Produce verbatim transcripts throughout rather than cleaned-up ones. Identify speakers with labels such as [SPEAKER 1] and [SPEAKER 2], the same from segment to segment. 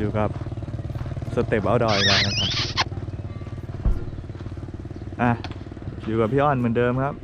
[SPEAKER 1] อยู่กับสเต็ปเอาท์ดอร์อีกแล้วนะครับอ่ะอยู่กับพี่อ้อนเหมือนเดิมครับ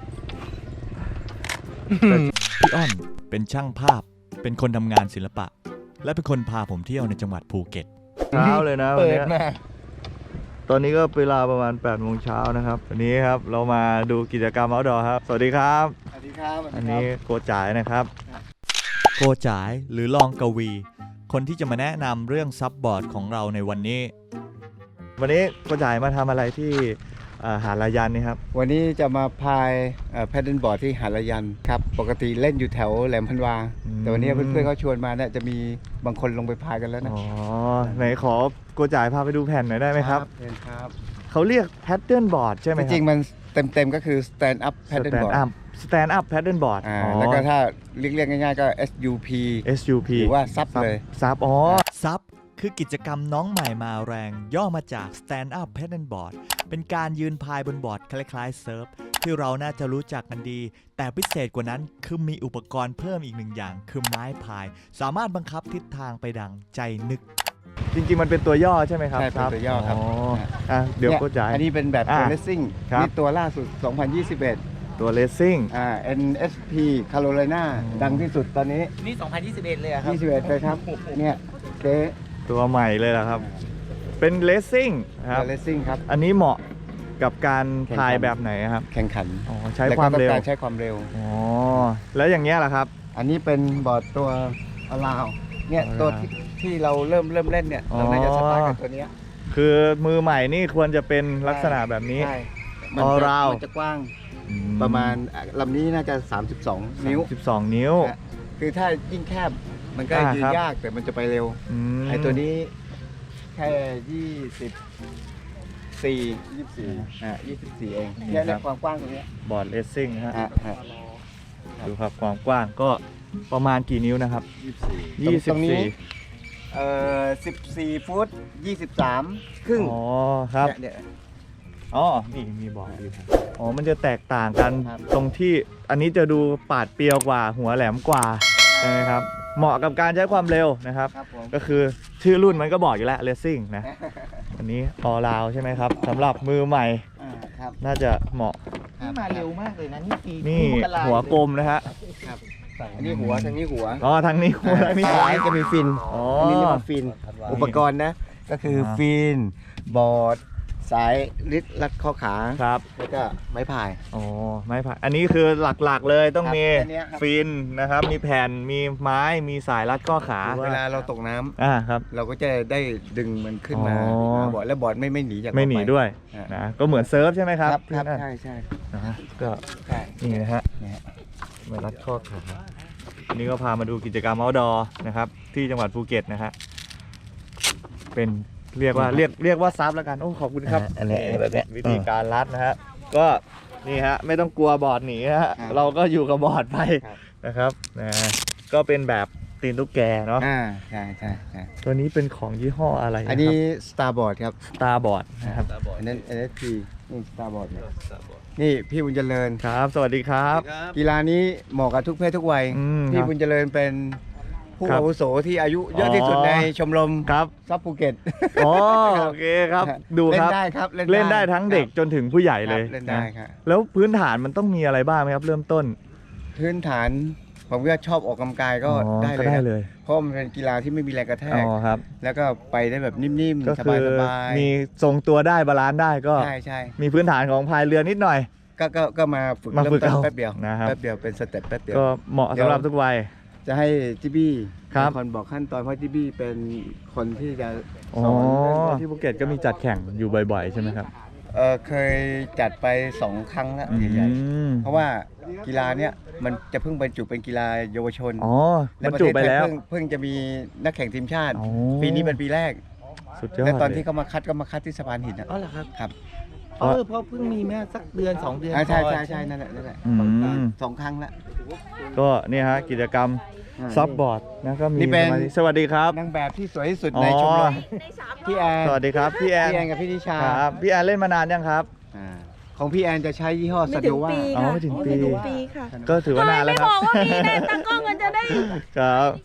[SPEAKER 2] พี่อ้อนเป็นช่างภาพเป็นคนทำงานศิลปะและเป็นคนพาผมเที่ยวในจังหวัดภูเก็ต
[SPEAKER 1] เช้าเลยนะวัน
[SPEAKER 3] เปิ
[SPEAKER 1] นี้
[SPEAKER 3] ดมา
[SPEAKER 1] ตอนนี้ก็เวลาประมาณแปดโมงเช้านะครับวันนี้ครับเรามาดูกิจกรรมเอาท์ดอร์ครับสวัสดีครับ
[SPEAKER 3] สวัสดีครับ
[SPEAKER 1] อันนี้โกจ่ายนะครับ
[SPEAKER 2] โกจ๋ายหรือลองกวี คนที่จะมาแนะนำเรื่องซับบอร์ดของเราในวันนี้
[SPEAKER 1] วันนี้โกจ่ายมาทำอะไรที่หาดลายันนี่ครับ
[SPEAKER 3] วันนี้จะมาพายแพดเดิลบอร์ดที่หาดละยันครับปกติเล่นอยู่แถวแหลมพันวาแต่วันนี้เพื่อนๆเขาชวนมาเนี่ยจะมีบางคนลงไปพายกันแล้วนะ
[SPEAKER 1] อ๋อไหนขอโกจ่ายพาไปดูแผ่นหน่อยได้ไหมครับ
[SPEAKER 3] เชิญครับ
[SPEAKER 1] เขาเรียกแพดเดิลบอร์ดใช่ไหมครับ
[SPEAKER 3] จริงๆมันเต็มๆก็คือ stand up paddle board
[SPEAKER 1] stand up paddle board
[SPEAKER 3] อ่าแล้วก็ถ้าเรียกง่ายๆก็ เอส ยู พี
[SPEAKER 1] เอส ยู พี
[SPEAKER 3] หรือว่าซับเลย
[SPEAKER 1] ซับอ๋อ
[SPEAKER 2] ซับคือกิจกรรมน้องใหม่มาแรง ย่อมาจาก Stand Up Paddleboard เป็นการยืนพายบนบอร์ดคล้ายๆเซิร์ฟที่เราน่าจะรู้จักกันดี แต่พิเศษกว่านั้นคือมีอุปกรณ์เพิ่มอีกหนึ่งอย่างคือไม้พาย สามารถบังคับทิศทางไปดังใจนึก
[SPEAKER 1] จริงๆมันเป็นตัวย่อใช่ไหมครับ
[SPEAKER 3] ใช่เป็นตัวย่อครับ
[SPEAKER 1] อ่ะเดี๋ยวโกจ่าย
[SPEAKER 3] อันนี้เป็นแบบตัว
[SPEAKER 1] อ่ะ
[SPEAKER 3] เลสซิ่ง
[SPEAKER 1] ครับ
[SPEAKER 3] นี่ตัวล่าสุด สองพันยี่สิบเอ็ด
[SPEAKER 1] ตัวเลสซิ่ง
[SPEAKER 3] อ่า เอ็น เอส พี Carolina ดังที่สุดตอนนี้
[SPEAKER 4] นี่ สองพันยี่สิบเอ็ด เลยอะครับ
[SPEAKER 3] ยี่สิบเอ็ดเลยครับ เนี่ยเจ๊
[SPEAKER 1] ตัวใหม่เลยเหรอครับ เป็นเลสซิ่งครับ
[SPEAKER 3] เลสซิ่งครับ
[SPEAKER 1] อันนี้เหมาะกับการ
[SPEAKER 3] แข่งขัน
[SPEAKER 1] พายแบบไหนครับ
[SPEAKER 3] แข่งขัน
[SPEAKER 1] อ๋อใช้ความเร็ว
[SPEAKER 3] แล้ก็ต้องกใช้ความเร็ว
[SPEAKER 1] อ๋อแล้วอย่างเงี้ยล่ะครับ
[SPEAKER 3] อันนี้เป็นบอร์ดตัวอลาวเนี่ย
[SPEAKER 1] Allow
[SPEAKER 3] ตัวที่ที่เราเริ่มเริ่มเล่นเนี่ย เราน่าจะสตาร์ทกับตัวเนี้ย
[SPEAKER 1] คือมือใหม่นี่ควรจะเป็นลักษณะแบบนี้
[SPEAKER 3] ใช่มันจะ
[SPEAKER 1] Allow
[SPEAKER 3] มันจะกว้างประมาณอ่ะลำนี้น่าจะ สามสิบสอง นิ้ว
[SPEAKER 1] สิบสองนิ้ว
[SPEAKER 3] อ่ะคือถ้ายิ่งแคบมันก็
[SPEAKER 1] อ่า
[SPEAKER 3] ยื
[SPEAKER 1] ครั
[SPEAKER 3] น
[SPEAKER 1] บ
[SPEAKER 3] ยากแต่มันจะไปเร็ว
[SPEAKER 1] ม
[SPEAKER 3] ไอ้ตัวนี้แค่ยี่สิบสี่ยี่สิบสี่อ่ะยี่สิบสี่เองแค่ในความกว้างตรงเนี้ย
[SPEAKER 1] บอร์ดเลสซิ่งฮะ
[SPEAKER 3] อ่ะฮะ
[SPEAKER 1] ดูครับความกว้างก็ประมาณกี่นิ้วนะครับ
[SPEAKER 3] ยี่สิบสี่
[SPEAKER 1] ยี่สิบสี่
[SPEAKER 3] เอ่อสิบสี่ฟุตยี่สิบสามครึ่ง
[SPEAKER 1] อ๋อครับ
[SPEAKER 3] เนี่ยเนี่ย
[SPEAKER 1] อ๋อนี่มีบอร์ดอยู่ครับอ๋อมันจะแตกต่างกัน
[SPEAKER 3] ครับ
[SPEAKER 1] ตรงที่อันนี้จะดูปาดเปรียวกว่าหัวแหลมกว่าใช่ไหมครับเหมาะกับการใช้ความเร็วนะครับ
[SPEAKER 3] ครับผม
[SPEAKER 1] ก็คือชื่อรุ่นมันก็บอกอยู่แล้วเลสซิ่งนะอันนี้ออลาวใช่ไหมครับสำหรับมือใหม่
[SPEAKER 3] อ่าครับ
[SPEAKER 1] น่าจะเหมาะ
[SPEAKER 4] นี่มาเร็วมากเลยนะ นี่ปี
[SPEAKER 1] นี่
[SPEAKER 4] มกรา
[SPEAKER 1] หัวกลมนะฮะ
[SPEAKER 3] ครับอันนี้หัวทางนี้หัว
[SPEAKER 1] อ๋อทางนี้หัวทางนี้
[SPEAKER 3] ซ้ายจะมีฟิน
[SPEAKER 1] อ๋อ
[SPEAKER 3] อันนี้เรียกว่าฟิน อุปกรณ์นะ ก็คืออา ฟิน บอร์ด สายลิดรัดข้อขา
[SPEAKER 1] ครับ
[SPEAKER 3] แล้วก็ไม้พาย
[SPEAKER 1] อ๋อไม้ผ่าอันนี้คือหลักๆเลยต้อง
[SPEAKER 3] ครับ
[SPEAKER 1] มี
[SPEAKER 3] อันเนี้ยครับ
[SPEAKER 1] ฟินนะครับ มีแผ่นมีไม้มีสายรัดข้อขา
[SPEAKER 3] เวลาเราตกน้ำ
[SPEAKER 1] อ่าครับ
[SPEAKER 3] เราก็จะได้ดึงมันขึ้นมา
[SPEAKER 1] อ๋อ
[SPEAKER 3] มาบอร์ดแล้วบอร์ดไม่ไม่หนีจาก
[SPEAKER 1] ไม่หนี
[SPEAKER 3] เราป
[SPEAKER 1] ด้วย
[SPEAKER 3] อ่า
[SPEAKER 1] นะก็เหมือนเซิร์ฟใช่ไหมครับ
[SPEAKER 3] ครับครับ
[SPEAKER 1] ที่นั่น
[SPEAKER 3] ใช่ใช่
[SPEAKER 1] นะฮะก็
[SPEAKER 3] ใช่
[SPEAKER 1] นี่นะฮะ
[SPEAKER 3] เนี่ยฮะ
[SPEAKER 1] ไม้รัดข้อขาอันนี้ก็พามาดูกิจกรรม outdoor นะครับที่จังหวัดภูเก็ตนะฮะเป็นเรียกว่าเรียกเรียกว่าซับแล้วกันโอ้ขอบคุณครับ
[SPEAKER 3] อันนี้อันนี้แบบเนี้ย
[SPEAKER 1] วิธีการรัดนะฮะก็นี่ฮะไม่ต้องกลัวบอร์ดหนีนะฮะ
[SPEAKER 3] ครับ
[SPEAKER 1] เราก็อยู่กับบอร์ดไป
[SPEAKER 3] ครับ
[SPEAKER 1] นะครับนะก็เป็นแบบตีนตุ๊กแกเนาะ
[SPEAKER 3] อ่าใช่ใช่ใช่
[SPEAKER 1] ตัวนี้เป็นของยี่ห้ออะไระ
[SPEAKER 3] อันนี้ Starboard ครับ
[SPEAKER 1] ตาบอร์ดนะครับ
[SPEAKER 3] อันนั้น เอ็น เอส พี นี่ Starboard เนี่ยนี่พี่บุญเจริญ
[SPEAKER 1] ครับ สวัสดีครับ
[SPEAKER 3] กีฬานี้เหมาะกับทุกเพศทุกวัย
[SPEAKER 1] อืม
[SPEAKER 3] พี่
[SPEAKER 1] ครับ
[SPEAKER 3] บุญเจริญเป็นผู้
[SPEAKER 1] ครับ
[SPEAKER 3] อาวุโสที่อายุเยอะที่สุด
[SPEAKER 1] อ๋อ
[SPEAKER 3] ในชมรม
[SPEAKER 1] ครับ
[SPEAKER 3] ซับภูเก็ต
[SPEAKER 1] อ๋อโอเคครับดู
[SPEAKER 3] เล่
[SPEAKER 1] คน รับ
[SPEAKER 3] ได้ครับ
[SPEAKER 1] เล่นได้ทั้งเด็ก
[SPEAKER 3] ค
[SPEAKER 1] จนถึงผู้ใหญ่
[SPEAKER 3] รับ
[SPEAKER 1] เลย
[SPEAKER 3] เล่นได้
[SPEAKER 1] นะครับ แล้วพื้นฐานมันต้องมีอะไรบ้างไหมครับ เริ่มต้น
[SPEAKER 3] พื้นฐานผมก็ชอบออกกำลังกายก็
[SPEAKER 1] อ๋อ
[SPEAKER 3] ได้
[SPEAKER 1] ก็
[SPEAKER 3] เลย
[SPEAKER 1] ได้
[SPEAKER 3] นะ
[SPEAKER 1] เลย
[SPEAKER 3] เพราะมันเป็นกีฬาที่ไม่มีแรงกระแท
[SPEAKER 1] อ๋
[SPEAKER 3] ก
[SPEAKER 1] อครับ
[SPEAKER 3] แล้วก็ไปได้แบบนิ่ม
[SPEAKER 1] ก็
[SPEAKER 3] ๆ ส
[SPEAKER 1] คื
[SPEAKER 3] บาย
[SPEAKER 1] มีทรงตัวได้บาลานซ์ได้ก็
[SPEAKER 3] ๆใช่ใช่
[SPEAKER 1] มีพื้นฐานของพายเรือนิดหน่อย
[SPEAKER 3] ก็ก็ก็มาฝึก
[SPEAKER 1] มา
[SPEAKER 3] เริ่
[SPEAKER 1] ฝึก
[SPEAKER 3] มต้น
[SPEAKER 1] เอา
[SPEAKER 3] แป๊บเดียว
[SPEAKER 1] นะครับ
[SPEAKER 3] แป๊บเดียวเป็นสเต็ปแป๊บเดียว
[SPEAKER 1] ก็เหมาะ
[SPEAKER 3] เดี๋ยว
[SPEAKER 1] สำหรับทุกวัย
[SPEAKER 3] จะให้จิบี้
[SPEAKER 1] ครับ
[SPEAKER 3] เป็นคนบอกขั้นตอนเพราะจิบี้เป็นคนที่จะ
[SPEAKER 1] อ๋อ
[SPEAKER 3] สอนเรื่อง
[SPEAKER 1] ที่ภูเก็ตก็มีจัดแข่งอยู่บ่อยๆ ใช่ไหมครับ
[SPEAKER 3] เออเคยจัดไปสองครั้งแล้ว
[SPEAKER 1] อื
[SPEAKER 3] ใหญ่
[SPEAKER 1] ม
[SPEAKER 3] ๆเพราะว่ากีฬาเนี้ยมันจะเพิ่งบรรจุเป็นกีฬาเยาวชน
[SPEAKER 1] อ๋อ
[SPEAKER 3] และ
[SPEAKER 1] บรร
[SPEAKER 3] ประ
[SPEAKER 1] จุ
[SPEAKER 3] เทศ
[SPEAKER 1] ไป
[SPEAKER 3] ไทย
[SPEAKER 1] แล้ว
[SPEAKER 3] เพิ่งเพิ่งจะมีนักแข่งทีมชาติ
[SPEAKER 1] อ๋อ
[SPEAKER 3] ปีนี้เป็นปีแรก
[SPEAKER 1] สุดยอด
[SPEAKER 3] และตอนที่
[SPEAKER 1] เลย
[SPEAKER 3] เขามาคัดก็มาคัดที่สะพานหินนะ
[SPEAKER 4] อ๋อเหรอครับ
[SPEAKER 3] ครับ
[SPEAKER 4] เออเพราะเพิ่งมีแม่สักเดือนสองเดือน
[SPEAKER 3] อ่าใช่
[SPEAKER 4] ก่อน
[SPEAKER 3] ใช่ใช่นั่นแหละนั่นแหละ
[SPEAKER 1] อืม
[SPEAKER 3] สองครั้งละ
[SPEAKER 1] ก็เนี่ยฮะกิจกรรม
[SPEAKER 3] อ่า
[SPEAKER 1] ซับบอร์ดนะก็มี
[SPEAKER 3] นี่เป็น
[SPEAKER 1] สมาธิสวัสดีครับ
[SPEAKER 3] นางแบบที่สวยที่สุด
[SPEAKER 1] อ๋อ
[SPEAKER 3] ในชมรมพี่แอน
[SPEAKER 1] สวัสดีครับพี่แอน
[SPEAKER 3] พี่แอนกับพี่นิชา
[SPEAKER 1] ครับพี่แอนเล่นมานานยังครับ
[SPEAKER 3] อ่าของพี่แอนจะใช้ยี่ห้อ
[SPEAKER 5] ไม่
[SPEAKER 3] ส
[SPEAKER 5] ถึ
[SPEAKER 3] โน
[SPEAKER 5] ง
[SPEAKER 3] วา
[SPEAKER 5] ปี
[SPEAKER 1] อ๋อ
[SPEAKER 5] ค่ะ
[SPEAKER 1] ไม่ถึงปี
[SPEAKER 5] ไม่ถึงปีค่ะ
[SPEAKER 1] ก็ถือว่านานแล้วครับ
[SPEAKER 5] ไม่บอกว่ามีนะตากล้องมันจะได้
[SPEAKER 1] ครับ
[SPEAKER 5] ถ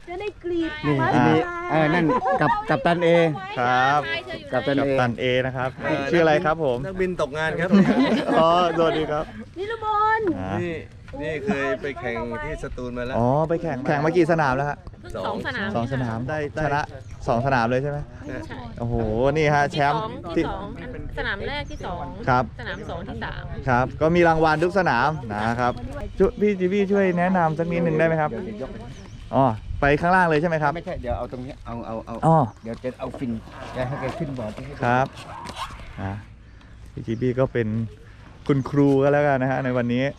[SPEAKER 5] จะได้กรีด
[SPEAKER 3] นี่
[SPEAKER 5] ไม้
[SPEAKER 3] นี่
[SPEAKER 5] พาย
[SPEAKER 3] เออนั่นกับกับตันเอ
[SPEAKER 1] ครับ
[SPEAKER 3] กับตัน
[SPEAKER 1] กั
[SPEAKER 3] เอ
[SPEAKER 1] ปตันเอนะครับ ชื่ออะไรครับผม
[SPEAKER 6] นักบินตกงานครับ
[SPEAKER 1] อ๋อสวัสดีครับ
[SPEAKER 5] นิรบล
[SPEAKER 1] อ่า
[SPEAKER 6] นี่นี่เคยไปแข่งที่สตูลมาแล้ว
[SPEAKER 1] อ๋อไปแข่งแข่งมากี่สนามแล้วฮะ
[SPEAKER 6] สอง
[SPEAKER 7] สนาม
[SPEAKER 1] สองสนาม
[SPEAKER 6] ได้ได้
[SPEAKER 1] ชนะสองสนามเลยใช่ไหม
[SPEAKER 7] ใช่
[SPEAKER 1] โอ้โหนี่ฮะแชมป์
[SPEAKER 7] ที่สองอันสนามแรกที่สอง
[SPEAKER 1] ครับ
[SPEAKER 7] สนามสองที่สาม
[SPEAKER 1] ครับ ก็มีรางวัลทุกสนามนะครับจุพี่จีบี้ช่วยแนะนำสักนิดหนึ่งได้ไหมครับอ๋อไปข้างล่างเลยใช่ไหมครับ
[SPEAKER 3] ไม่ใช่เดี๋ยวเอาตรงนี้เอาเอาเอา
[SPEAKER 1] อ๋อ
[SPEAKER 3] เดี๋ยวจะเอาฟินจะให้แกขึ้นบอร์ด
[SPEAKER 1] ครับอ่ะพี่จีบี้ก็เป็นคุณครูก็แล้วกันนะฮะในวันนี้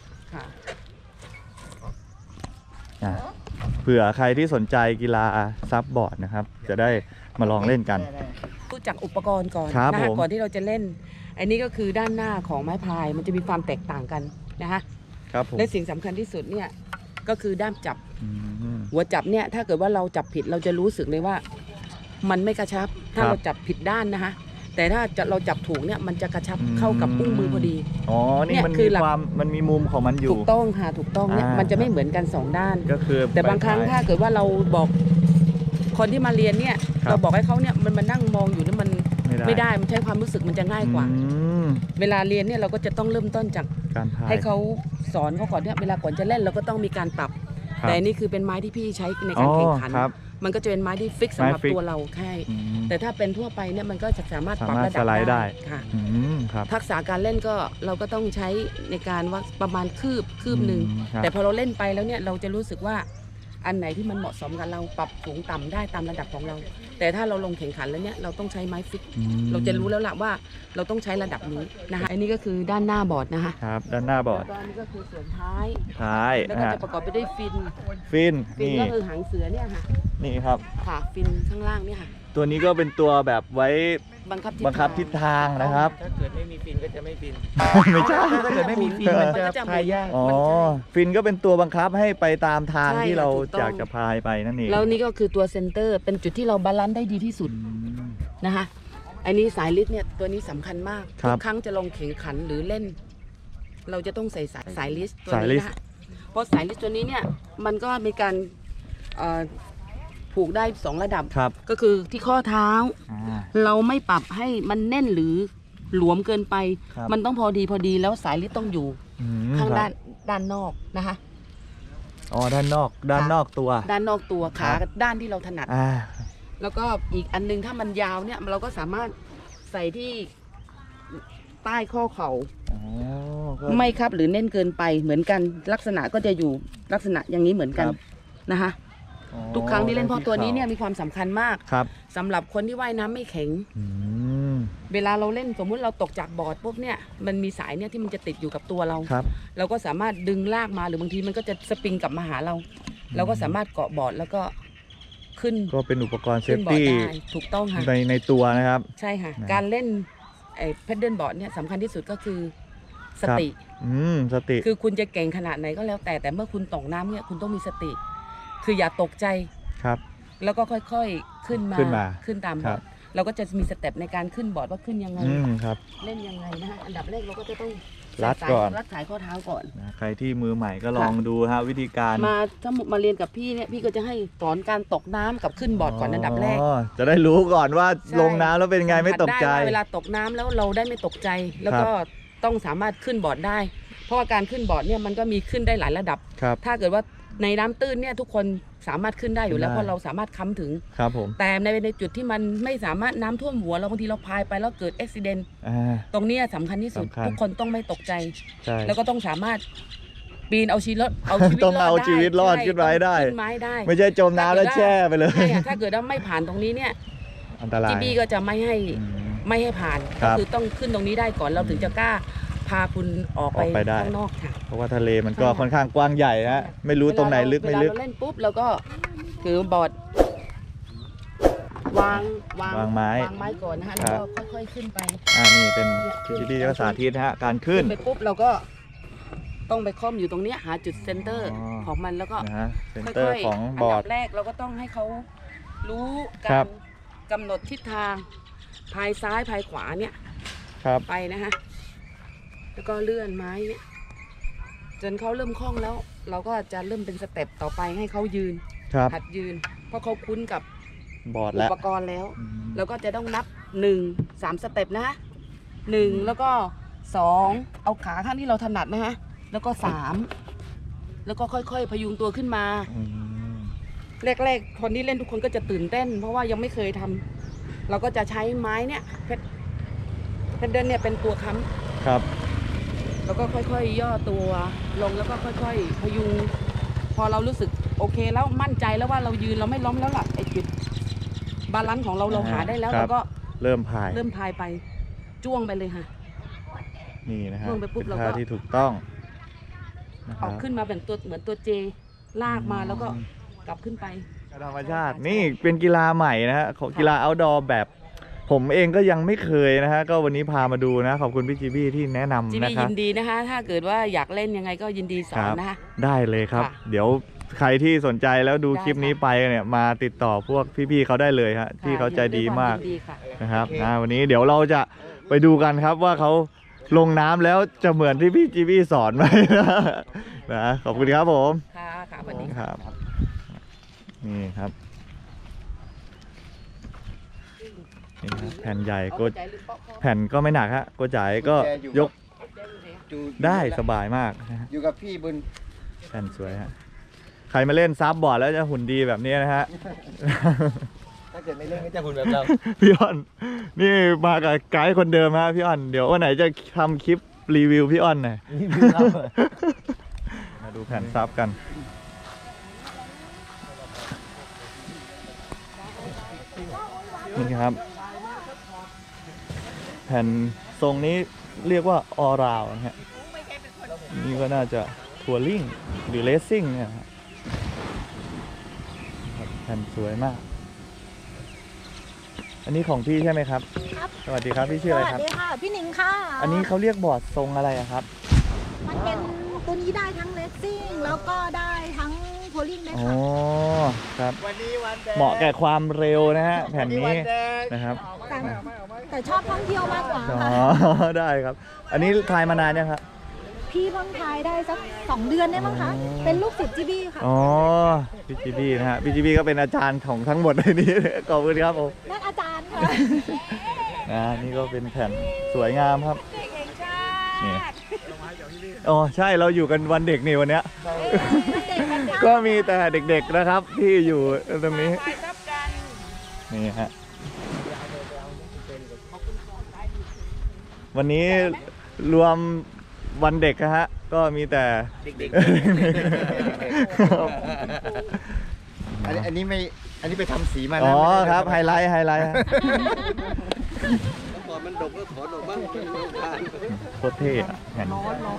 [SPEAKER 1] อ่ะเผื่อใครที่สนใจกีฬาซับบอร์ดนะครับ จะได้มาลองเล่นกัน
[SPEAKER 8] รู้จักอุปกรณ์ก่อน
[SPEAKER 1] ครับ
[SPEAKER 8] นะ
[SPEAKER 1] ผ
[SPEAKER 8] คะ
[SPEAKER 1] ม
[SPEAKER 8] ก่อนที่เราจะเล่น อันนี้ก็คือด้านหน้าของไม้พายมันจะมีความแตกต่างกันนะคะ
[SPEAKER 1] ครับผม
[SPEAKER 8] และสิ่งสำคัญที่สุดเนี่ยก็คือด้ามจับ
[SPEAKER 1] อืม
[SPEAKER 8] หัวจับเนี่ยถ้าเกิดว่าเราจับผิดเราจะรู้สึกเลยว่า มันไม่กระชับ ถ้า
[SPEAKER 1] ครับ
[SPEAKER 8] เราจับผิดด้านนะคะแต่ถ้าจะเราจับถูกเนี่ยมันจะกระชับ
[SPEAKER 1] อืม
[SPEAKER 8] เข้ากับอุ้งมือพอดี
[SPEAKER 1] อ๋อ นี่
[SPEAKER 8] เนี่ย
[SPEAKER 1] มัน
[SPEAKER 8] คื
[SPEAKER 1] มี
[SPEAKER 8] อหลัก
[SPEAKER 1] ความมันมีมุมของมันอยู่
[SPEAKER 8] ถูกต้องค่ะถูกต้องเนี่ย
[SPEAKER 1] อ่ามั
[SPEAKER 8] มันจะไม่เหมือนกันสองด้าน
[SPEAKER 1] ก็คือ
[SPEAKER 8] แต่บางครั้ง
[SPEAKER 1] ใบ
[SPEAKER 8] ถ้า
[SPEAKER 1] พาย
[SPEAKER 8] เกิดว่าเราบอกคนที่มาเรียนเนี่ย
[SPEAKER 1] ครับ
[SPEAKER 8] เราบอกให้เขาเนี่ยมันมานั่งมองอยู่เนี่ยมัน
[SPEAKER 1] ไม่ได้
[SPEAKER 8] ไม่ได้มันใช้ความรู้สึกมันจะง่ายกว่า
[SPEAKER 1] อืม
[SPEAKER 8] เวลาเรียนเนี่ยเราก็จะต้องเริ่มต้นจาก
[SPEAKER 1] การพาย
[SPEAKER 8] ให้เขาสอนเขาก่อนเนี่ยเวลาก่อนจะเล่นเราก็ต้องมีการปรับ
[SPEAKER 1] ครับ
[SPEAKER 8] แต่อันนี่คือเป็นไม้ที่พี่ใช้ในการแข่งขัน
[SPEAKER 1] อ๋อครับ
[SPEAKER 8] มันก็จะเป็นไม้ที่ฟิกสำหรับ
[SPEAKER 1] ไม้ฟิก
[SPEAKER 8] ตัวเราแค่
[SPEAKER 1] อืม
[SPEAKER 8] แต่ถ้าเป็นทั่วไปเนี่ยมันก็จะสามารถปรับ
[SPEAKER 1] สามารถ
[SPEAKER 8] ระดับ
[SPEAKER 1] สไลด์ได้
[SPEAKER 8] ค่ะ
[SPEAKER 1] อืมครับ
[SPEAKER 8] ทักษะการเล่นก็เราก็ต้องใช้ในการว่าประมาณคืบคืบหนึ่ง
[SPEAKER 1] อืมครับ
[SPEAKER 8] แต่พอเราเล่นไปแล้วเนี่ยเราจะรู้สึกว่าอันไหนที่มันเหมาะสมกับเราปรับสูงต่ำได้ตามระดับของเรา แต่ถ้าเราลงแข่งขันแล้วเนี่ยเราต้องใช้ไม้ฟิก
[SPEAKER 1] อืม
[SPEAKER 8] เราจะรู้แล้วล่ะว่าเราต้องใช้ระดับนี้นะคะอันนี้ก็คือด้านหน้าบอร์ดนะคะ
[SPEAKER 1] ครับ ด้านหน้าบอร์ด
[SPEAKER 8] แล้วก็อันนี้ก็คือส่วนท้าย
[SPEAKER 1] ท้าย
[SPEAKER 8] แล้ว
[SPEAKER 1] นะ
[SPEAKER 8] ก็
[SPEAKER 1] ฮะ
[SPEAKER 8] จะประกอบไปด้วยฟิน
[SPEAKER 1] ฟิน
[SPEAKER 8] ฟิน
[SPEAKER 1] นี่
[SPEAKER 8] ก็คือหางเสือเนี่ยค่ะ
[SPEAKER 1] นี่ครับ
[SPEAKER 8] ค่ะฟินข้างล่างเนี่ยค่ะ
[SPEAKER 1] ตัวนี้ก็เป็นตัวแบบไว้
[SPEAKER 8] บังคับทิศ
[SPEAKER 1] บังคับทิศทางนะครับ
[SPEAKER 4] ถ้าเกิดไม่มีฟินก็จะไม่ฟิน
[SPEAKER 1] ไม่ใช่
[SPEAKER 4] ถ้าเกิดไม่มีฟินมันจะพายยาก
[SPEAKER 1] อ๋อ ฟินก็เป็นตัวบังคับให้ไปตามทาง
[SPEAKER 8] ใช่
[SPEAKER 1] ที่เรา
[SPEAKER 8] ถูกต้อง
[SPEAKER 1] อยากจะพายไปนั่นเอง
[SPEAKER 8] แล้วนี่ก็คือตัวเซนเตอร์เป็นจุดที่เราบาลานซ์ได้ดีที่สุด
[SPEAKER 1] อืม
[SPEAKER 8] นะคะอันนี้สายลิดเนี่ยตัวนี้สำคัญมาก
[SPEAKER 1] ครั
[SPEAKER 8] ทุ
[SPEAKER 1] บ
[SPEAKER 8] กครั้งจะลงแข่งขันหรือเล่น เราจะต้องใส่สายสายลิสตัว
[SPEAKER 1] สายลิ
[SPEAKER 8] นี้
[SPEAKER 1] ส
[SPEAKER 8] นะคะเพราะสายลิสตัวนี้เนี่ยมันก็มีการเอ่อผูกได้สองระดับ
[SPEAKER 1] ครับ
[SPEAKER 8] ก็คือที่ข้อเท้า
[SPEAKER 1] อ่า
[SPEAKER 8] เราไม่ปรับให้มันแน่นหรือหลวมเกินไป
[SPEAKER 1] ครับ
[SPEAKER 8] มันต้องพอดีพอดีแล้วสายลิดต้องอยู่
[SPEAKER 1] อืม
[SPEAKER 8] ข้าง
[SPEAKER 1] ครับ
[SPEAKER 8] ด้านด้านนอกนะคะ
[SPEAKER 1] อ๋อ ด้านนอก ด้านนอกตัว
[SPEAKER 8] ด้านนอกตัว
[SPEAKER 1] ครั
[SPEAKER 8] ขา
[SPEAKER 1] บ
[SPEAKER 8] ด้านที่เราถนัด
[SPEAKER 1] อ่า
[SPEAKER 8] แล้วก็อีกอันนึงถ้ามันยาวเนี่ยเราก็สามารถใส่ที่ใต้ข้อเข่า
[SPEAKER 1] อ๋อก็
[SPEAKER 8] ไม่ครับหรือเน่นเกินไปเหมือนกันลักษณะก็จะอยู่ลักษณะอย่างนี้เหมือนกัน
[SPEAKER 1] ครับ
[SPEAKER 8] นะคะ
[SPEAKER 1] อ๋อ
[SPEAKER 8] ทุกครั้งที่เล่นเพราะตัวนี้เนี่ย
[SPEAKER 1] ข่า
[SPEAKER 8] มีความสำคัญมาก
[SPEAKER 1] ครับ
[SPEAKER 8] สำหรับคนที่ว่ายน้ำไม่แข็ง
[SPEAKER 1] อืม
[SPEAKER 8] เวลาเราเล่นสมมุติเราตกจากบอร์ดปุ๊บเนี่ยมันมีสายเนี่ยที่มันจะติดอยู่กับตัวเรา
[SPEAKER 1] ครับ
[SPEAKER 8] เราก็สามารถดึงลากมาหรือบางทีมันก็จะสปริงกลับมาหาเรา เราก็สามารถเกาะบอร์ดแล้วก็ขึ้น
[SPEAKER 1] ก็เป็นอุปกรณ์เซ
[SPEAKER 8] ขึ้
[SPEAKER 1] ฟ
[SPEAKER 8] นบอร์ด
[SPEAKER 1] ตี้
[SPEAKER 8] ได้ถูกต้องค่ะ
[SPEAKER 1] ในในตัวนะครับ
[SPEAKER 8] ใช่ค่ะ
[SPEAKER 1] นะ
[SPEAKER 8] การเล่นไอ้แพดเดิลบอร์ดเนี่ยสำคัญที่สุดก็คือสติ
[SPEAKER 1] อืม สติ
[SPEAKER 8] คือคุณจะเก่งขนาดไหนก็แล้วแต่แต่เมื่อคุณตกน้ำเนี่ยคุณต้องมีสติ คืออย่าตกใจ
[SPEAKER 1] ครับ
[SPEAKER 8] แล้วก็ค่อยๆขึ้นมา
[SPEAKER 1] ขึ้นมา
[SPEAKER 8] ขึ้นตามบ
[SPEAKER 1] ครั
[SPEAKER 8] อบ ร์ดเราก็จะมีสเต็ปในการขึ้นบอร์ดว่าขึ้นยังไง
[SPEAKER 1] อืม ครับ
[SPEAKER 8] เล่นยังไงนะคะอันดับแรกเราก็จะต้อง
[SPEAKER 1] รัด
[SPEAKER 8] สาย
[SPEAKER 1] ก่อน
[SPEAKER 8] รัดสายข้อเท้าก่อน
[SPEAKER 1] นะใครที่มือใหม่ก็ลองดูฮะวิธีการ
[SPEAKER 8] มาถ้ามาเรียนกับพี่เนี่ยพี่ก็จะให้สอนการตกน้ำกับขึ้นบอร์ดก่อนอันดับแรก
[SPEAKER 1] อ๋อ จะได้รู้ก่อนว่า
[SPEAKER 8] ใช่
[SPEAKER 1] ลงน้ำแล้วเป็นไงไม่ตกใจ
[SPEAKER 8] สัมผัสได้ว่าเวลาตกน้ำแล้วเราได้ไม่ตกใจ แล้วก็ต้องสามารถขึ้นบอร์ดได้ เพราะว่าการขึ้นบอร์ดเนี่ยมันก็มีขึ้นได้หลายระดับ
[SPEAKER 1] ครับ
[SPEAKER 8] ถ้าเกิดว่าในน้ำตื้นเนี่ยทุกคนสามารถขึ้นได้อยู่แล้ว
[SPEAKER 1] ได้
[SPEAKER 8] เพราะเราสามารถค้ำถึง
[SPEAKER 1] ครับผม
[SPEAKER 8] แต่ในในจุดที่มันไม่สามารถน้ำท่วมหัวเราบางทีเราพายไปแล้วเกิดอุบิเหตุ
[SPEAKER 1] อ่า
[SPEAKER 8] ตรงเนี้ยสำคัญที่สุด
[SPEAKER 1] สำคัญ
[SPEAKER 8] ทุกคนต้องไม่ตกใจ
[SPEAKER 1] ใช่
[SPEAKER 8] แล้วก็ต้องสามารถปีนเอาชีวิตรอดเอาชีวิต
[SPEAKER 1] ต้องเอา
[SPEAKER 8] รอดได้
[SPEAKER 1] ชีวิตรอด
[SPEAKER 8] ใช่
[SPEAKER 1] ขึ้นไม้ได้
[SPEAKER 8] ต้องขึ้นไม้ได้
[SPEAKER 1] ไม่ใช่จมน้ำแล้วแช่ไปเลย
[SPEAKER 8] ใช่ค่ะถ้าเกิดว่าไม่ผ่านตรงนี้เนี่ย
[SPEAKER 1] อันตราย
[SPEAKER 8] จีบี้ก็จะไม่ให้
[SPEAKER 1] อืม
[SPEAKER 8] ไม่ให้ผ่าน
[SPEAKER 1] ครั
[SPEAKER 8] ก็
[SPEAKER 1] บ
[SPEAKER 8] คือต้องขึ้นตรงนี้ได้ก่อนเราถึงจะกล้าพาคุณออกไป
[SPEAKER 1] ออกไปได้
[SPEAKER 8] ข้างนอกค่ะ
[SPEAKER 1] เพราะว่าทะเลมันก็
[SPEAKER 8] ใช่ค่ะ
[SPEAKER 1] ค่อนข้างกว้างใหญ่ฮะไม่รู้ตรงไหนลึกไม่ลึก
[SPEAKER 8] เวลาเราเล่นปุ๊บเราก็ถือบอร์ดวางวาง
[SPEAKER 1] วางไม้
[SPEAKER 8] วางไม้ก่อนนะคะ
[SPEAKER 1] ครั
[SPEAKER 8] แล้ว
[SPEAKER 1] บ
[SPEAKER 8] ก็ค่อยๆขึ้นไป
[SPEAKER 1] อ่านี่เป็นที่ที่ก็สาธิตฮะการขึ้น
[SPEAKER 8] ไปปุ๊บเราก็ต้องไปค่อมอยู่ตรงเนี้ยหาจุดเซนเตอร์
[SPEAKER 1] อ๋อ
[SPEAKER 8] ของมันแล้วก็
[SPEAKER 1] นะฮะเซน
[SPEAKER 8] ค่
[SPEAKER 1] เตอร์
[SPEAKER 8] อย
[SPEAKER 1] ของ
[SPEAKER 8] ๆ
[SPEAKER 1] บ
[SPEAKER 8] อั
[SPEAKER 1] อร์
[SPEAKER 8] ดั
[SPEAKER 1] ด
[SPEAKER 8] บแรกเราก็ต้องให้เขารู้
[SPEAKER 1] ครั
[SPEAKER 8] การ
[SPEAKER 1] บ
[SPEAKER 8] กำหนดทิศทางพายซ้ายพายขวาเนี่ย
[SPEAKER 1] ครับ
[SPEAKER 8] ไปนะคะแล้วก็เลื่อนไม้เนี่ยจนเขาเริ่มคล่องแล้ว เราก็จะเริ่มเป็นสเต็ปต่อไปให้เขายืน
[SPEAKER 1] ครับ
[SPEAKER 8] หัดยืนเพราะเขาคุ้นกับบ
[SPEAKER 1] อร์ด
[SPEAKER 8] อุ
[SPEAKER 1] แล้ว
[SPEAKER 8] ปกรณ์แล้ว
[SPEAKER 1] อืม
[SPEAKER 8] แล้วก็จะต้องนับหนึ่งสามสเต็ปนะฮะหนึ่งแล้วก็สองเอาขาข้างที่เราถนัดนะฮะแล้วก็สามแล้วก็ค่อยๆ พยุงตัวขึ้นมา
[SPEAKER 1] อืม
[SPEAKER 8] แรกๆ คนที่เล่นทุกคนก็จะตื่นเต้น เพราะว่ายังไม่เคยทำเราก็จะใช้ไม้เนี่ยเพชรเพชรเดินเนี่ยเป็นตัวค้
[SPEAKER 1] ครับ
[SPEAKER 8] ำแล้วก็ค่อยๆ ย่อตัวลงแล้วก็ค่อยๆ พยุง พอเรารู้สึกโอเคแล้วมั่นใจแล้วว่าเรายืนเราไม่ล้มแล้วล่ะไอ้จุดบาลานซ์ของเราเราหาได้แล้ว
[SPEAKER 1] ครับ
[SPEAKER 8] เราก็
[SPEAKER 1] เริ่มพาย
[SPEAKER 8] เริ่มพายไปจ้วงไปเลยค่ะ
[SPEAKER 1] นี่นะฮะ
[SPEAKER 8] ลงไปปุ๊บ
[SPEAKER 1] เป็น
[SPEAKER 8] เราก็
[SPEAKER 1] ท่าที่ถูกต้องนะค
[SPEAKER 8] อ
[SPEAKER 1] รั
[SPEAKER 8] อบ กขึ้นมาเป็นตัวเหมือนตัวเจลากมาแล้วก็กลับขึ้นไป
[SPEAKER 1] ธรรมชาตินี่เป็นกีฬาใหม่นะฮะของกีฬา outdoor แบบผมเองก็ยังไม่เคยนะฮะก็วันนี้พามาดูนะขอบคุณพี่จีบี้ที่แนะนำ
[SPEAKER 8] จี
[SPEAKER 1] นะ
[SPEAKER 8] บี้
[SPEAKER 1] ครั
[SPEAKER 8] ยิ
[SPEAKER 1] บ
[SPEAKER 8] นดีนะคะ ถ้าเกิดว่าอยากเล่นยังไงก็ยินดีสอ
[SPEAKER 1] ครั
[SPEAKER 8] น
[SPEAKER 1] บ
[SPEAKER 8] นะคะ
[SPEAKER 1] ได้เลยครับ
[SPEAKER 8] ค่ะ
[SPEAKER 1] เดี๋ยวใครที่สนใจแล้วดู
[SPEAKER 8] ได้
[SPEAKER 1] คลิปนี้
[SPEAKER 8] ค่ะ
[SPEAKER 1] ไปเนี่ยมาติดต่อพวกพี่ๆเขาได้เลยฮะที่เขาใจดีมาก
[SPEAKER 8] ยินดีค่ะ
[SPEAKER 1] นะครับนะวันนี้เดี๋ยวเราจะไปดูกันครับว่าเขาลงน้ำแล้วจะเหมือนที่พี่จีบี้สอนไหมนะนะขอบคุณครับผม
[SPEAKER 8] ค่ะค่ะสวัสดี
[SPEAKER 1] ค
[SPEAKER 8] ค่ะ
[SPEAKER 1] รับนี่ครับนี่ครับแผ่นใหญ่ก็แผ่นก็ไม่หนักฮะโกจ่ายก็ยก
[SPEAKER 3] จู
[SPEAKER 1] ได้สบายมากนะฮะ
[SPEAKER 3] อยู่กับพี่บุญ
[SPEAKER 1] แผ่นสวยฮะใครมาเล่นซับบอร์ดแล้วจะหุ่นดีแบบนี้นะฮะ
[SPEAKER 6] ถ้าเกิดไม่เล่นก็จะหุ่นแบบเรา
[SPEAKER 1] พี่อ้อนนี่มากับไกด์คนเดิมฮะพี่อ้อนเดี๋ยววันไหนจะทำคลิปรีวิวพี่อ้อนหน่อย มาดูแผ่นซับกันนี่ครับ แผ่นทรงนี้เรียกว่าออราวนะฮะนี่ก็น่าจะทัวริงหรือเลสซิ่งเนี่ยครับแผ่นสวยมาก อันนี้ของพี่ใช่ไหมครับ
[SPEAKER 5] ครับ
[SPEAKER 1] สวัสดีครับพี่ชื่ออะไรครับ
[SPEAKER 5] สวัสดีค่ะ พี่หนิงค่ะ
[SPEAKER 1] อันนี้เขาเรียกบอร์ดทรงอะไรอะครับ
[SPEAKER 5] มันเป็นตัวนี้ได้ทั้งเลสซิ่งแล้วก็ได้ทั้งโพลิ่งได้
[SPEAKER 1] อ๋อ
[SPEAKER 5] ค่ะ
[SPEAKER 1] ครับ เหมาะแก่ความเร็วนะฮะแผ่นนี้นะครับ
[SPEAKER 5] แต่แต่ชอบท่องเที่ยวมากกว่า
[SPEAKER 1] อ๋อ
[SPEAKER 5] ค่ะ
[SPEAKER 1] ได้ครับ อันนี้ทายมานานยังครับ
[SPEAKER 5] พี่เพิ่งทายได้สักสองเดือนได้มั้งคะ
[SPEAKER 1] อ๋อ
[SPEAKER 5] เป็นลูกศิษย์จีบี้ค่ะ
[SPEAKER 1] อ๋อพี่จีบี้นะฮะพี่จีบี้ก็เป็นอาจารย์ของทั้งหมดในนี้ ขอบคุณครับผม
[SPEAKER 5] นั่นอาจารย์ค่ะ
[SPEAKER 1] นะนี่ก็เป็นแผ่นสวยงามครับนี่อ๋อใช่เราอยู่กันวันเด็กนี่วันเนี้ย ก็มีแต่เด็กๆนะครับที่อยู่ตรงนี้นี่ฮะวันนี้รวมวันเด็กนะฮะก็มีแต่
[SPEAKER 4] เด็ก
[SPEAKER 3] อันนี้อันนี้ไม่อันนี้ไปทำสีมานะ
[SPEAKER 1] อ๋อ
[SPEAKER 3] ไม่ได้
[SPEAKER 1] ครับ
[SPEAKER 3] ทำ
[SPEAKER 1] ไฮไลท์ไฮไลท์ฮะ
[SPEAKER 6] พอมันดกก็ถอนออกบ้างมันไม่ผ่าน
[SPEAKER 1] โคตรเท่อะแผ่น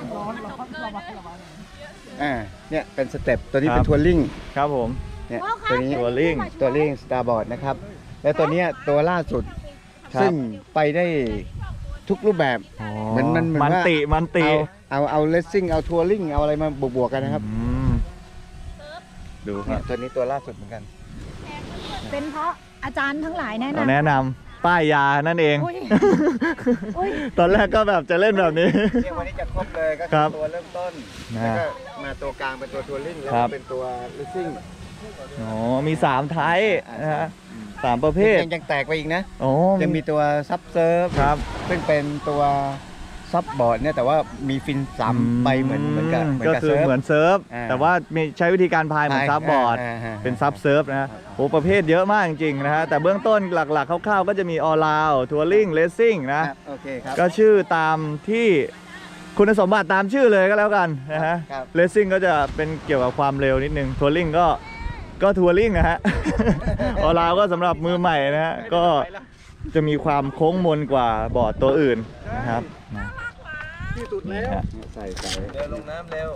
[SPEAKER 3] อ่าเนี่ยเป็นสเต็ปตัวนี้
[SPEAKER 1] ครับ
[SPEAKER 3] เป็นทัวริง
[SPEAKER 1] ครับผม
[SPEAKER 3] เนี่ย
[SPEAKER 5] ว้าวค่ะ
[SPEAKER 3] ตัวนี้
[SPEAKER 1] ตัวลิง
[SPEAKER 3] ตัวลิงสตาร์บอร์ดนะครับ แล้วตัวเนี้ยตัวล่าสุด
[SPEAKER 1] ครับ
[SPEAKER 3] ซึ่งไปได้ทุกรูปแบบ เหมือนมันเหมือน
[SPEAKER 1] มัน
[SPEAKER 3] ว่า
[SPEAKER 1] ติมันติ
[SPEAKER 3] เอาเอาเอาเลสซิ่งเอาทัวริงเอาอะไรมาบวกๆกันนะครับ
[SPEAKER 1] อืมดูค
[SPEAKER 3] เนี่
[SPEAKER 1] รั
[SPEAKER 3] ย
[SPEAKER 1] บ
[SPEAKER 3] ตัวนี้ตัวล่าสุดเหมือนกัน
[SPEAKER 5] เป็นเพราะอาจารย์ทั้งหลายแนะ
[SPEAKER 1] เรา
[SPEAKER 5] นำ
[SPEAKER 1] แนะนำป้ายยานั่นเอง
[SPEAKER 5] อุ๊ยอุ๊ย
[SPEAKER 1] ตอนแรกก็แบบจะเล่นแบบนี้
[SPEAKER 3] เนี่ยวันนี้จะครบเลยก็
[SPEAKER 1] ค
[SPEAKER 3] คื
[SPEAKER 1] รั
[SPEAKER 3] อบ ตัวเริ่มต้น
[SPEAKER 1] นะ
[SPEAKER 3] แล้วก็มาตัวกลางเป็นตัวทัวริงแล้ว
[SPEAKER 1] ครั
[SPEAKER 3] ก็
[SPEAKER 1] บ
[SPEAKER 3] เป็นตัวเลสซิ่ง
[SPEAKER 1] อ๋อมีสามไทยนะฮะสามประเภท
[SPEAKER 3] ยังยังแตกไปอีกนะ
[SPEAKER 1] โอ้
[SPEAKER 3] ยังมีตัวซับเซิร์ฟ
[SPEAKER 1] ครับ
[SPEAKER 3] ซึ่งเป็นตัวซับบอร์ดเนี่ยแต่ว่ามีฟินสามใบเหมือนเหมือนกับเหมือน
[SPEAKER 1] ก็
[SPEAKER 3] กับ
[SPEAKER 1] คือ
[SPEAKER 3] เซิร์ฟ
[SPEAKER 1] เหมือนเซิร์ฟ
[SPEAKER 3] อ่า
[SPEAKER 1] แต่ว่ามีใช้วิธีการพายเหมือนซับบอร์ด
[SPEAKER 3] าา
[SPEAKER 1] เป็นซับเซิร์ฟนะฮะโอ้ประเภทเยอะมากจริงๆนะฮะแต่เบื้องต้นหลักๆคร่าวๆก็จะมีออลาวทัวริงเลสซิ่งนะ
[SPEAKER 3] ครับโอเคครับ
[SPEAKER 1] ก็ชื่อตามที่คุณสมบัติตามชื่อเลยก็แล้วกันนะฮะ
[SPEAKER 3] ครับ
[SPEAKER 1] เลสซิ่งก็จะเป็นเกี่ยวกับความเร็วนิดนึงทัวริงก็ก็ทัวริงนะฮะ ออลาวก็สำหรับมือใหม่นะฮะก็จะมีความโค้งมนกว่าบอร์ดตัวอื่นนะครับนะ
[SPEAKER 6] ที่สุด
[SPEAKER 1] นี่
[SPEAKER 6] แล้ว
[SPEAKER 1] ฮะ
[SPEAKER 3] ใส่ใส่
[SPEAKER 6] เร็วลงน้ำเร็ว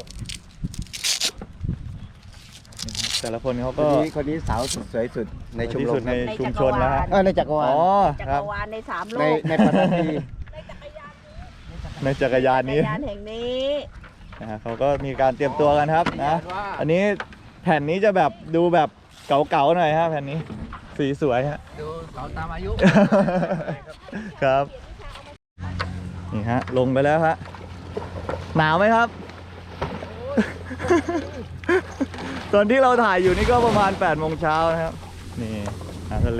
[SPEAKER 1] แต่ละคนเขา
[SPEAKER 3] ค
[SPEAKER 1] ก็
[SPEAKER 3] นนี้คนนี้สาวสุดสวยสุดในชม
[SPEAKER 1] ที่
[SPEAKER 3] ร
[SPEAKER 1] สุ
[SPEAKER 3] ม
[SPEAKER 1] ด
[SPEAKER 3] ค
[SPEAKER 1] ใน
[SPEAKER 3] รับ
[SPEAKER 1] ชุมชนนะฮะ
[SPEAKER 3] เออในจักรวาล
[SPEAKER 1] อ๋อ
[SPEAKER 9] จั
[SPEAKER 1] ครั
[SPEAKER 9] ก
[SPEAKER 1] บ
[SPEAKER 9] รวาลในสามโล
[SPEAKER 3] ใน
[SPEAKER 9] ก
[SPEAKER 3] ในปัตตานี
[SPEAKER 1] ในจักรยานนี้
[SPEAKER 9] จักรยานแห่งนี้
[SPEAKER 1] นะฮะเขาก็มีการเตรียมตัวกันครับนะอันนี้แผ่นนี้จะแบบดูแบบเก่าๆหน่อยฮะแผ่นนี้สีสวยฮะ
[SPEAKER 4] ดูเขาตามอายุ
[SPEAKER 1] ครับนี่ฮะลงไปแล้วฮะหนาวไหมครับ ตอนที่เราถ่ายอยู่นี่ก็ประมาณแปดโมงเช้านะครับนี่อาหารทะเล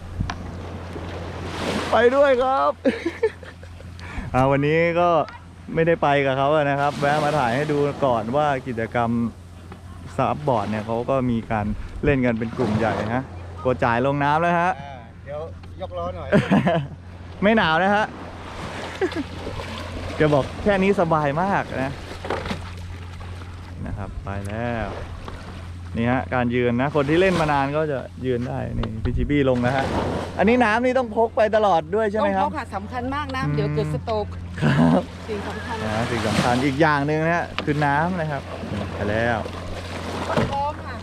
[SPEAKER 1] ไปด้วยครับ อ่าวันนี้ก็ไม่ได้ไปกับเขาอะนะครับแวะมาถ่ายให้ดูก่อนว่ากิจกรรมซับบอร์ดเนี่ยเขาก็มีการเล่นกันเป็นกลุ่มใหญ่ฮะกดจ่ายลงน้ำแล้วฮะ
[SPEAKER 3] เดี๋ยวยกล้อหน่อย
[SPEAKER 1] ไม่หนาวนะฮะ จะบอกแค่นี้สบายมากนะนะครับไปแล้วนี่ฮะการยืนนะคนที่เล่นมานานก็จะยืนได้นี่พี่จีบี้ลงนะฮะอันนี้น้ำนี่ต้องพกไปตลอดด้วยใช่ไหมครับ
[SPEAKER 8] ต้องพกค่ะสำคัญมากนะ
[SPEAKER 1] อืม
[SPEAKER 8] เดี๋ยวเกิดสโตรก
[SPEAKER 1] ครับ
[SPEAKER 8] สิ่งสำคัญ
[SPEAKER 1] นะสิ่งสำคัญอีกอย่างหนึ่งนะฮะคือน้ำนะครับไปแล้ว
[SPEAKER 8] พร้อมค่ะ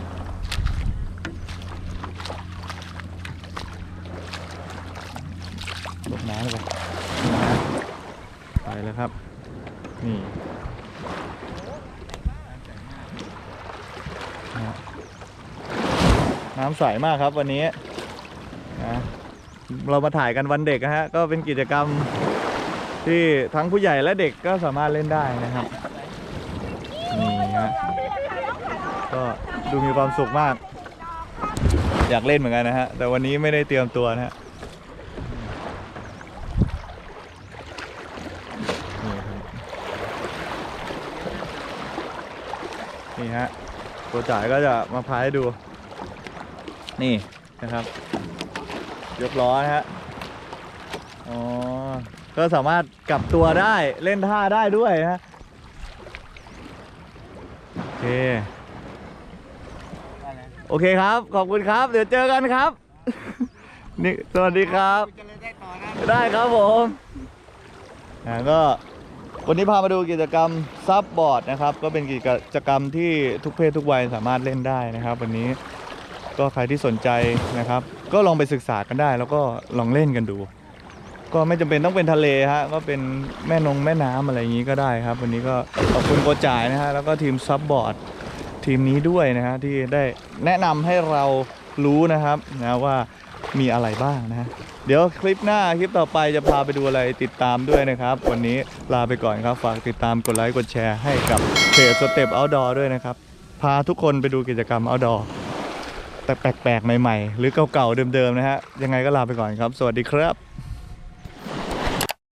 [SPEAKER 1] ลดน้ำเลยไปแล้วครับนี่นะน้ำใสมากครับวันนี้นะเรามาถ่ายกันวันเด็กนะฮะก็เป็นกิจกรรมที่ทั้งผู้ใหญ่และเด็กก็สามารถเล่นได้นะครับนี่ฮะก็ดูมีความสุขมากอยากเล่นเหมือนกันนะฮะแต่วันนี้ไม่ได้เตรียมตัวนะฮะนี่ฮะตัวจ่ายก็จะมาพายให้ดูนี่นะครับยกล้อนะฮะอ๋อก็สามารถกลับตัวได้เล่นท่าได้ด้วยนะโอเคโอเคครับขอบคุณครับเดี๋ยวเจอกันครับ นี่สวัสดีครับได้ครับผมอ่าก็วันนี้พามาดูกิจกรรมซับบอร์ดนะครับก็เป็นกิจกรรมที่ทุกเพศทุกวัยสามารถเล่นได้นะครับวันนี้ก็ใครที่สนใจนะครับก็ลองไปศึกษากันได้แล้วก็ลองเล่นกันดูก็ไม่จำเป็นต้องเป็นทะเลฮะก็เป็นแม่นงแม่น้ำอะไรอย่างนี้ก็ได้ครับวันนี้ก็ขอบคุณโกจ่ายนะฮะแล้วก็ทีมซับบอร์ดทีมนี้ด้วยนะฮะที่ได้แนะนำให้เรารู้นะครับนะว่ามีอะไรบ้างนะฮะเดี๋ยวคลิปหน้าคลิปต่อไปจะพาไปดูอะไรติดตามด้วยนะครับวันนี้ลาไปก่อนครับฝากติดตามกดไลค์กดแชร์ให้กับเพจสเต็ปเอาท์ดอร์ด้วยนะครับพาทุกคนไปดูกิจกรรมเอาท์ดอร์แต่แปลกๆใหม่ๆหรือเก่าๆเดิมๆนะฮะยังไงก็ลาไปก่อนครับสวัสดีครับ